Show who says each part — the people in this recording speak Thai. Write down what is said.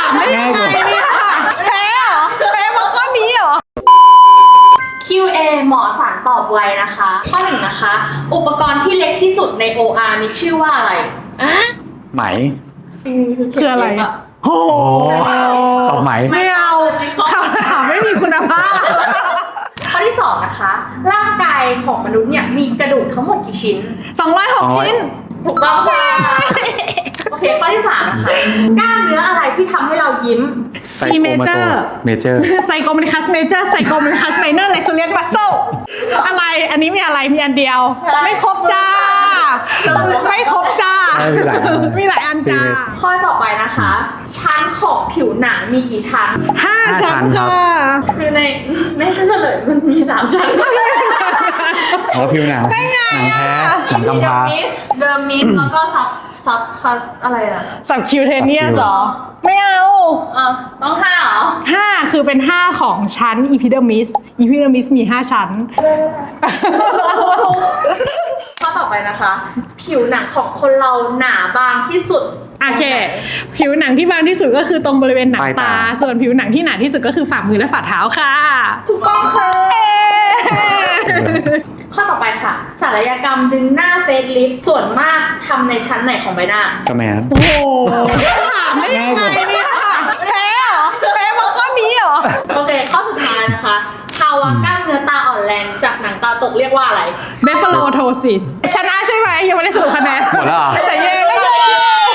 Speaker 1: ามได้ยังไงเนี่ยแพ้เหรอแพ้มาข้อนี้เหรอ
Speaker 2: QA หมอสารตอบไวนะคะ ข้อหนึ่งนะคะ อุปกรณ์ที่เล็กที่สุดใน OR มีชื่อว่าอะไร
Speaker 3: ไหม
Speaker 1: คืออะไรโอ้
Speaker 3: ตอบไหม
Speaker 1: ไม่เอาคำถามไม่มีคุณภาพ
Speaker 2: ข้อที่สองนะคะ ร่างกายของมนุษย์เนี่ยมีกระดูกทั้งหมดกี่ชิ้น
Speaker 1: 206 ชิ้น
Speaker 2: ถูกต้องค่ะ โอเค ข้อที่สามนะคะ กล้ามเนื้ออะไรที่ทำให้เรายิ้ม
Speaker 3: ไซโคมาโตเมเจอร์
Speaker 1: ไซโกมิคัสเมเจอร์ไซโกมิคัสไมเนอร์เลกซูเลียนมัสโซอะไรอันนี้มีอะไรมีอันเดียว ไม่ครบจ้าไม่ครบจ้ามีหลายอันจ้า
Speaker 2: ข้อต่อไปนะคะ ชั้นของผิวหนังมีกี่ชั้น
Speaker 1: 5 ชั้นค่ะ
Speaker 2: คือในไม่ก็เฉลยมันมี3ชั้น
Speaker 3: อ๋อผิวหนังหนังแท้หนังกำพร้า
Speaker 2: เดอร์มิสแล้วก็ซับอะไรอ่ะ
Speaker 1: สับคิวเทเนียสเหรอไม่เอา
Speaker 2: ต้อง5เหรอ
Speaker 1: 5คือเป็น 5 ของชั้นอีพิเดอร์มิสมี 5 ชั้น
Speaker 2: ข้อต่อไปนะคะ ผิวหนังของคนเราหนาบางที่สุด
Speaker 1: โอเค ผิวหนังที่บางที่สุดก็คือตรงบริเวณหนังตา ส่วนผิวหนังที่หนาที่สุดก็คือฝ่ามือและฝ่าเท้าค่ะ
Speaker 2: ถูกต้องค่ะ ข้อต่อไปค่ะศัลยกรรมดึงหน้าเฟซลิฟต์ส่วนมากทำในชั้นไหนของใบหน้า
Speaker 3: กระแมน
Speaker 1: โอ้โหถามได้ยังไงเนี่ยแพ้เหรอแพ้มาข้อนี้เหรอ
Speaker 2: โอเค ข้อสุดท้ายนะคะ ภาวะกล้ามเนื้อตาอ่อนแรงจากหนังตาตกเรียกว่าอะไร
Speaker 1: เบฟโลโทซิสชนะใช่ไหมยังไม่ได้สรุปคะแนน
Speaker 3: หมดแล้วเหรอ
Speaker 1: แต่เย่ก็เย่